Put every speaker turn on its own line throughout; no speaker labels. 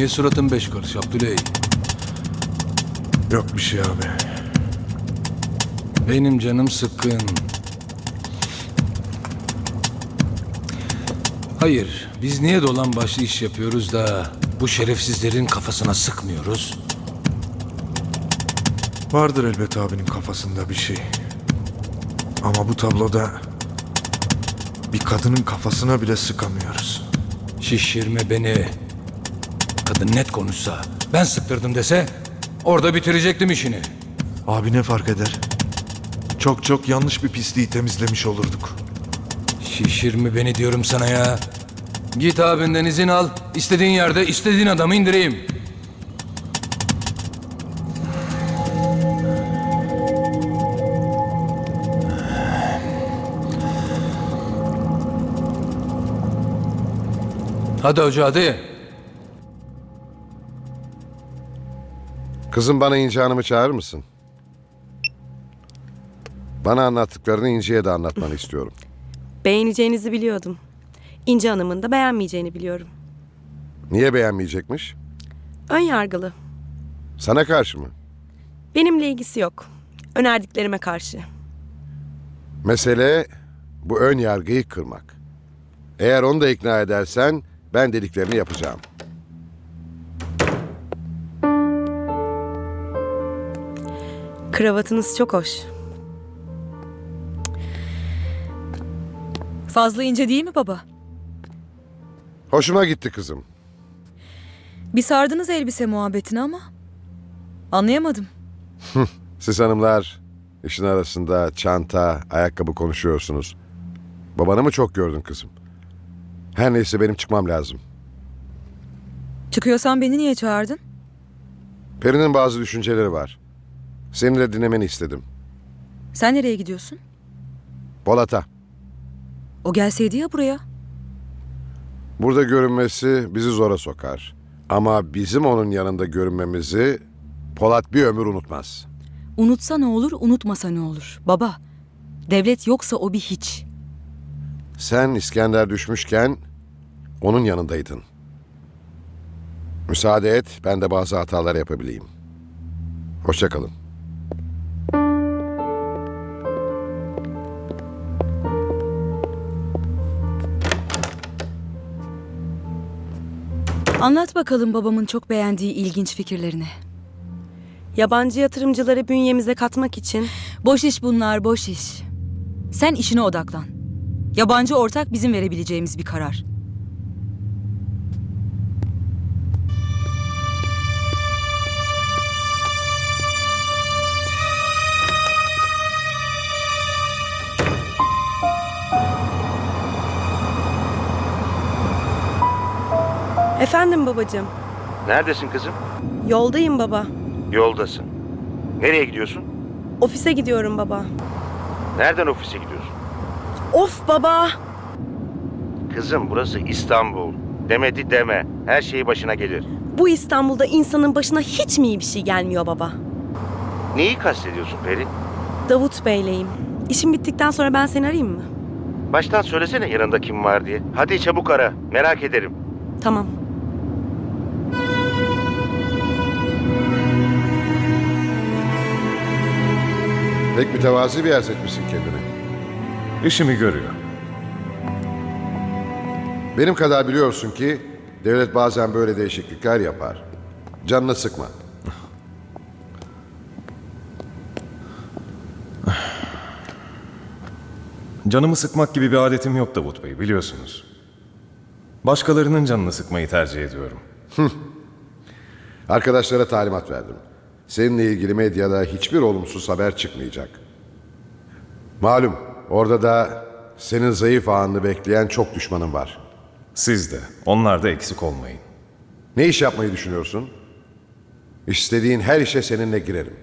Niye suratın beş karış Abdüley?
Yok bir şey abi.
Benim canım sıkkın. Hayır, biz niye dolan başlı iş yapıyoruz da bu şerefsizlerin kafasına sıkmıyoruz?
Vardır elbet abinin kafasında bir şey. Ama bu tabloda bir kadının kafasına bile sıkamıyoruz.
Şişirme beni. Kadın net konuşsa, ben sıktırdım dese orada bitirecektim işini.
Abi ne fark eder? Çok çok yanlış bir pisliği temizlemiş olurduk.
Şişirme beni diyorum sana ya. Git abinden izin al, istediğin yerde istediğin adamı indireyim. Hadi hoca hadi.
Kızım bana İnci Hanım'ı çağırır mısın? Bana anlattıklarını İnci'ye de anlatmanı istiyorum.
Beğeneceğinizi biliyordum. İnci Hanım'ın da beğenmeyeceğini biliyorum.
Niye beğenmeyecekmiş?
Ön yargılı.
Sana karşı mı?
Benimle ilgisi yok. Önerdiklerime karşı.
Mesele bu ön yargıyı kırmak. Eğer onu da ikna edersen ben dediklerini yapacağım.
Kravatınız çok hoş.
Fazla ince değil mi baba?
Hoşuma gitti kızım.
Bir sardınız elbise muhabbetini ama anlayamadım.
Siz hanımlar işin arasında çanta, ayakkabı konuşuyorsunuz. Babanı mı çok gördün kızım? Her neyse benim çıkmam lazım.
Çıkıyorsan beni niye çağırdın?
Peri'nin bazı düşünceleri var. Seni de dinlemeni istedim.
Sen nereye gidiyorsun?
Polat'a.
O gelseydi ya buraya.
Burada görünmesi bizi zora sokar. Ama bizim onun yanında görünmemizi Polat bir ömür unutmaz.
Unutsa ne olur, unutmasa ne olur? Baba, devlet yoksa o bir hiç.
Sen İskender düşmüşken onun yanındaydın. Müsaade et, ben de bazı hatalar yapabileyim. Hoşça kalın.
Anlat bakalım babamın çok beğendiği ilginç fikirlerini.
Yabancı yatırımcıları bünyemize katmak için
Boş iş bunlar, boş iş. Sen işine odaklan. Yabancı ortak bizim verebileceğimiz bir karar.
Efendim babacığım.
Neredesin kızım?
Yoldayım baba.
Yoldasın. Nereye gidiyorsun?
Ofise gidiyorum baba.
Nereden ofise gidiyorsun?
Of baba.
Kızım burası İstanbul. Demedi deme. Her şey başına gelir.
Bu İstanbul'da insanın başına hiç mi iyi bir şey gelmiyor baba?
Neyi kastediyorsun Peri?
Davut Bey'leyim. İşim bittikten sonra ben seni arayayım mı?
Baştan söylesene yanında kim var diye. Hadi çabuk ara. Merak ederim.
Tamam.
Pek mütevazi bir yer seçmişsin kendine.
İşimi görüyor.
Benim kadar biliyorsun ki devlet bazen böyle değişiklikler yapar. Canını sıkma.
Canımı sıkmak gibi bir adetim yok Davut Bey, biliyorsunuz. Başkalarının canını sıkmayı tercih ediyorum.
Arkadaşlara talimat verdim. Seninle ilgili medyada hiçbir olumsuz haber çıkmayacak. Malum orada da senin zayıf ağını bekleyen çok düşmanın var.
Siz de, onlar da eksik olmayın.
Ne iş yapmayı düşünüyorsun? İstediğin her işe seninle girerim.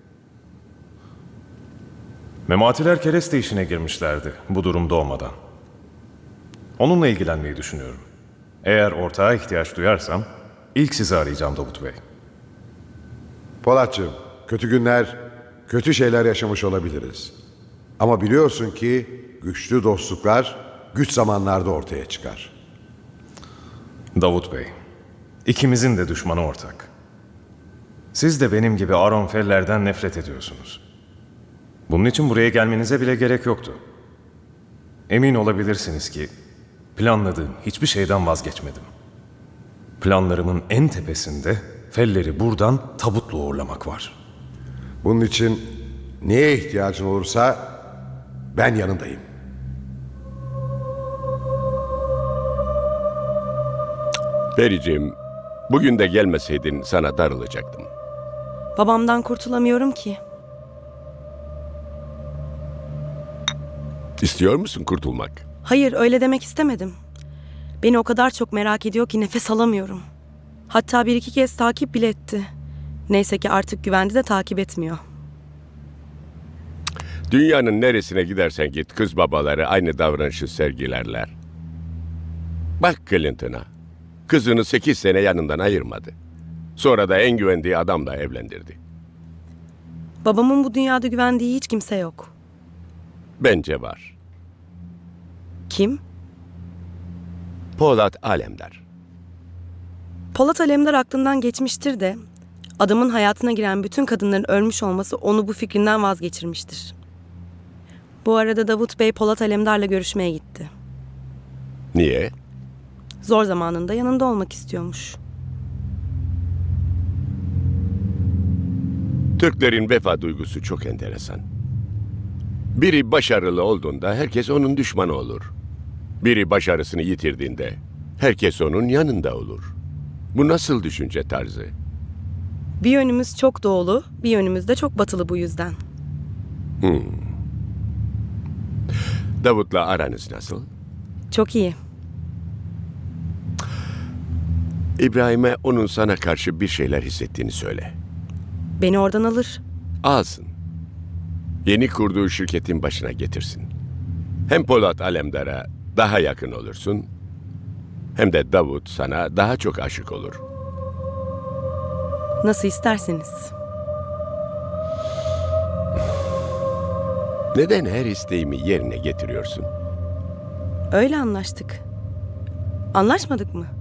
Mematiler kereste işine girmişlerdi bu durum doğmadan. Onunla ilgilenmeyi düşünüyorum. Eğer ortağa ihtiyaç duyarsam ilk sizi arayacağım Davut Bey.
Polatcığım, kötü günler, kötü şeyler yaşamış olabiliriz. Ama biliyorsun ki güçlü dostluklar güç zamanlarda ortaya çıkar.
Davut Bey, İkimizin de düşmanı ortak. Siz de benim gibi Aronfeller'den nefret ediyorsunuz. Bunun için buraya gelmenize bile gerek yoktu. Emin olabilirsiniz ki planladığım hiçbir şeyden vazgeçmedim. Planlarımın en tepesinde Feller'i buradan tabutla uğurlamak var.
Bunun için neye ihtiyacın olursa ben yanındayım.
Fericiğim, bugün de gelmeseydin sana darılacaktım.
Babamdan kurtulamıyorum ki.
İstiyor musun kurtulmak?
Hayır, öyle demek istemedim. Beni o kadar çok merak ediyor ki nefes alamıyorum. Hatta bir iki kez takip bile etti. Neyse ki artık güvende de takip etmiyor.
Dünyanın neresine gidersen git kız babaları aynı davranışı sergilerler. Bak Clinton'a. Kızını 8 sene yanından ayırmadı. Sonra da en güvendiği adamla evlendirdi.
Babamın bu dünyada güvendiği hiç kimse yok.
Bence var.
Kim?
Polat Alemdar.
Polat Alemdar aklından geçmiştir de adamın hayatına giren bütün kadınların ölmüş olması onu bu fikrinden vazgeçirmiştir. Bu arada Davut Bey Polat Alemdar'la görüşmeye gitti.
Niye?
Zor zamanında yanında olmak istiyormuş.
Türklerin vefa duygusu çok enteresan. Biri başarılı olduğunda herkes onun düşmanı olur. Biri başarısını yitirdiğinde herkes onun yanında olur. Bu nasıl düşünce tarzı?
Bir yönümüz çok doğulu, bir yönümüz de çok batılı bu yüzden.
Davut'la aranız nasıl?
Çok iyi.
İbrahim'e onun sana karşı bir şeyler hissettiğini söyle.
Beni oradan alır.
Alsın. Yeni kurduğu şirketin başına getirsin. Hem Polat Alemdar'a daha yakın olursun, hem de Davut sana daha çok aşık olur.
Nasıl isterseniz.
Neden her isteğimi yerine getiriyorsun?
Öyle anlaştık. Anlaşmadık mı?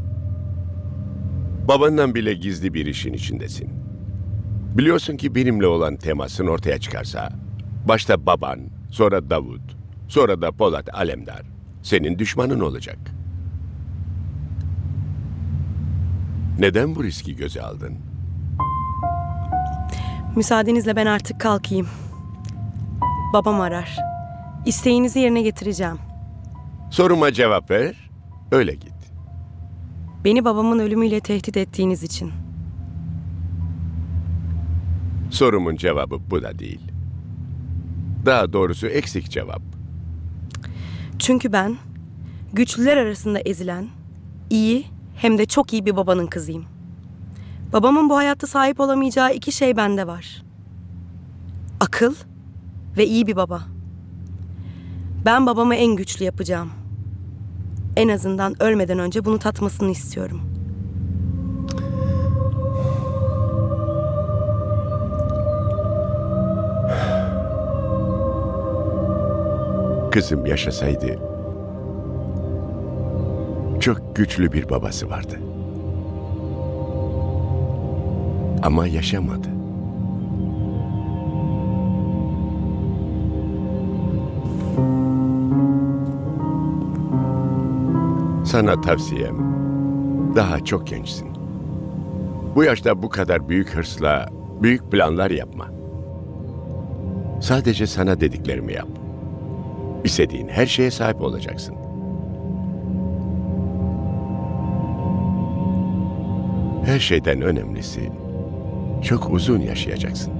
Babandan bile gizli bir işin içindesin. Biliyorsun ki benimle olan temasın ortaya çıkarsa, başta baban, sonra Davut, sonra da Polat Alemdar senin düşmanın olacak. Neden bu riski göze aldın?
Müsaadenizle ben artık kalkayım. Babam arar. İsteğinizi yerine getireceğim.
Soruma cevap ver, öyle git.
Beni babamın ölümüyle tehdit ettiğiniz için.
Sorumun cevabı bu da değil. Daha doğrusu eksik cevap.
Çünkü ben güçlüler arasında ezilen, iyi hem de çok iyi bir babanın kızıyım. Babamın bu hayatta sahip olamayacağı iki şey bende var. Akıl ve iyi bir baba. Ben babamı en güçlü yapacağım. En azından ölmeden önce bunu tatmasını istiyorum.
Kızım yaşasaydı çok güçlü bir babası vardı. Ama yaşamadı. Sana tavsiyem, daha çok gençsin. Bu yaşta bu kadar büyük hırsla büyük planlar yapma. Sadece sana dediklerimi yap. İstediğin her şeye sahip olacaksın. Her şeyden önemlisi, çok uzun yaşayacaksın.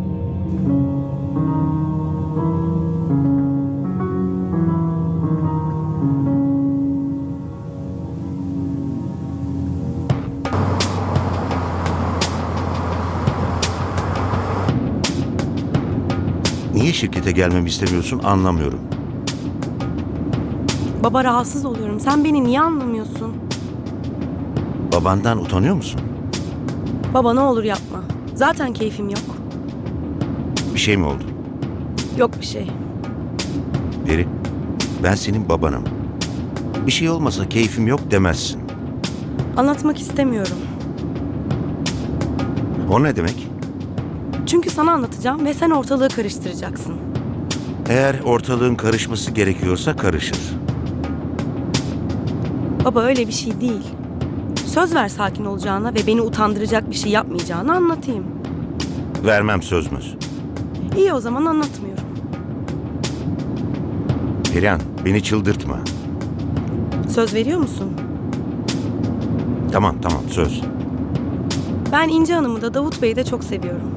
Niye şirkete gelmemi istemiyorsun anlamıyorum.
Baba rahatsız oluyorum. Sen beni niye anlamıyorsun?
Babandan utanıyor musun?
Baba ne olur yapma. Zaten keyfim yok.
Bir şey mi oldu?
Yok bir şey.
Peri, ben senin babanım. Bir şey olmasa keyfim yok demezsin.
Anlatmak istemiyorum.
O ne demek?
Çünkü sana anlatacağım ve sen ortalığı karıştıracaksın.
Eğer ortalığın karışması gerekiyorsa karışır.
Baba öyle bir şey değil. Söz ver sakin olacağına ve beni utandıracak bir şey yapmayacağını anlatayım.
Vermem söz möz.
İyi o zaman anlatmıyorum.
Perihan, beni çıldırtma.
Söz veriyor musun?
Tamam söz.
Ben İnci Hanım'ı da Davut Bey'i de çok seviyorum.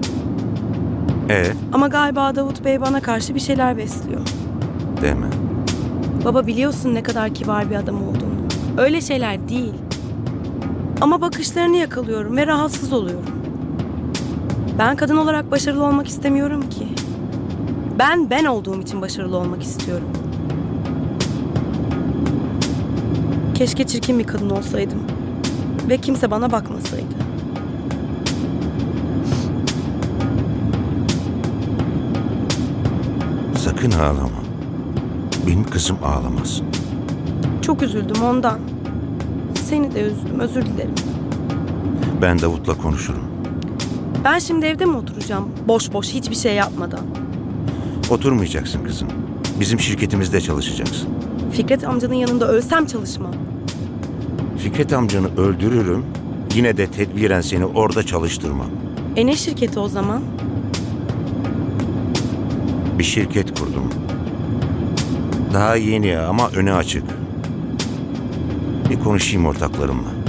Ama galiba Davut Bey bana karşı bir şeyler besliyor.
Deme.
Baba biliyorsun ne kadar kibar bir adam olduğunu. Öyle şeyler değil. Ama bakışlarını yakalıyorum ve rahatsız oluyorum. Ben kadın olarak başarılı olmak istemiyorum ki. Ben olduğum için başarılı olmak istiyorum. Keşke çirkin bir kadın olsaydım. Ve kimse bana bakmasaydı.
Sakın ağlama. Benim kızım ağlamaz.
Çok üzüldüm ondan. Seni de üzdüm, özür dilerim.
Ben Davut'la konuşurum.
Ben şimdi evde mi oturacağım? Boş boş hiçbir şey yapmadan.
Oturmayacaksın kızım. Bizim şirketimizde çalışacaksın.
Fikret amcanın yanında ölsem çalışmam.
Fikret amcanı öldürürüm. Yine de tedbiren seni orada çalıştırmam.
Ne şirketi o zaman?
Bir şirket kurdum. Daha yeni ama önü açık. Bir konuşayım ortaklarımla.